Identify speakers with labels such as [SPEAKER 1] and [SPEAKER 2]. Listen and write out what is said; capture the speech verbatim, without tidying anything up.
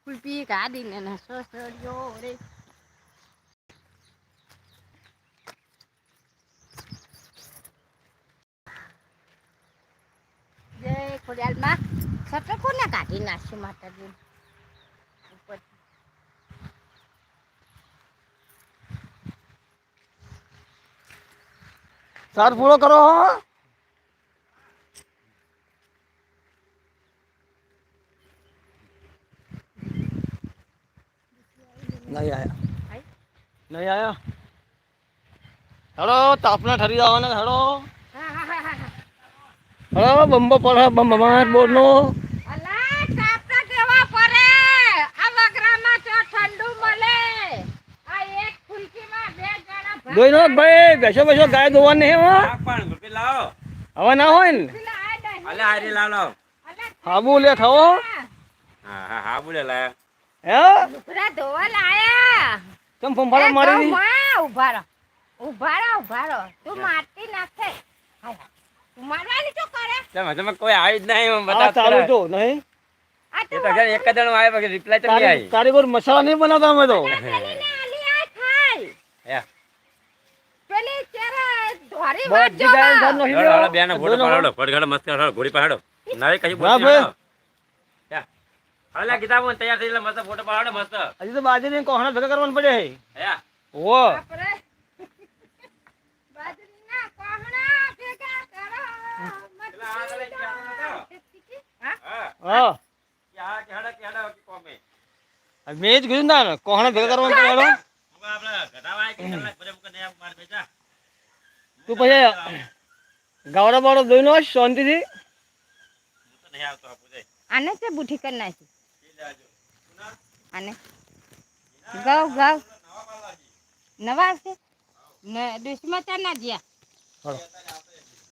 [SPEAKER 1] કુલપી કાઢીને ને સસડ્યો રે જય ખોડિયાલમાં સટર કોને કાઢી નાખ્યું માતાજી ઉપર
[SPEAKER 2] ચાર પૂરો કરો નહીં આયા નહીં આયા હેડો તાપના ઠરી જવાના હેડો હેડો બંબો પડે બંબમાટ બોરનો
[SPEAKER 1] અલા તાપતા કેવા પડે આ વગરામાં તો ઠંડુ મળે આ એક ફુલકીમાં બે જણા
[SPEAKER 2] દોઈ નો ભાઈ બેસો બેસો ગાય દોવા નહીં હો
[SPEAKER 3] પણ રૂપિયા લાવો
[SPEAKER 2] હવે ના હોય ને
[SPEAKER 3] અલે આરી લાવ લાવ
[SPEAKER 2] હાબુ લે થવો
[SPEAKER 3] હા હા હા બોલે લાયા
[SPEAKER 2] હે
[SPEAKER 1] લુગડા ધોવા લાયા
[SPEAKER 2] કેમ ફંફાડા મારી દી
[SPEAKER 1] માં ઉભા રહો ઉભા રહો ઉભા રહો તું મારતી નાખે તું મારવાની તો કરે
[SPEAKER 3] તમે તમે કોઈ આવી જ નહીં મને
[SPEAKER 2] આ
[SPEAKER 3] બતાવ
[SPEAKER 2] ચાલુ તો નહીં
[SPEAKER 1] આ
[SPEAKER 3] એ તો ઘરે એક જણ આવે પછી રિપ્લાય તો નહીં
[SPEAKER 2] તારી
[SPEAKER 3] આવી
[SPEAKER 2] તારી કોઈ મસાલા નહીં બનાવતા અમે તો
[SPEAKER 1] કરીને આલી આ ખાય
[SPEAKER 3] હે
[SPEAKER 1] પેલી ચેરા ધોરી
[SPEAKER 2] બધી ગાય ઘર નો
[SPEAKER 3] હળો હળો બેનો ફોટો પાડો ફટઘડ મસ્ત હળો ઘોડી પાડો નારે કઈ બોલ
[SPEAKER 2] હા ભાઈ.
[SPEAKER 3] હે હાલે ગીતા બોલ તૈયાર થઈ લે મસ્ત ફોટો પાડો મસ્ત
[SPEAKER 2] હજી તો બાજરી કોહણા ભેગા કરવાનું પડે
[SPEAKER 3] હે
[SPEAKER 2] ઓ
[SPEAKER 1] આપણે બાજરીના કોહણા ભેગા કરો
[SPEAKER 3] પેલા આગળ લઈ ગયા
[SPEAKER 1] હા
[SPEAKER 3] હા
[SPEAKER 2] હા
[SPEAKER 3] ક્યાં કેડા કેડા કોમે
[SPEAKER 2] મેં જ કીધું ના કોહણા ભેગા કરવાનું પડે હેડો.
[SPEAKER 3] હું આપડા ઘટાવાય કે કલાક ભરે મુકે ને માર બેટા
[SPEAKER 2] તું પછી ગાવડા બાવડો દોઈ નો શાંતિથી
[SPEAKER 3] હું તો નહીં આવતો આપું દે
[SPEAKER 1] આને તે બુઠી કરી નાખી
[SPEAKER 3] ઈ લેજો સુના
[SPEAKER 1] આને ગાવ ગાવ
[SPEAKER 3] નવા પાલાજી
[SPEAKER 1] નવા છે ને દુશ્મન ચાર ના જ્યા
[SPEAKER 2] હેડો.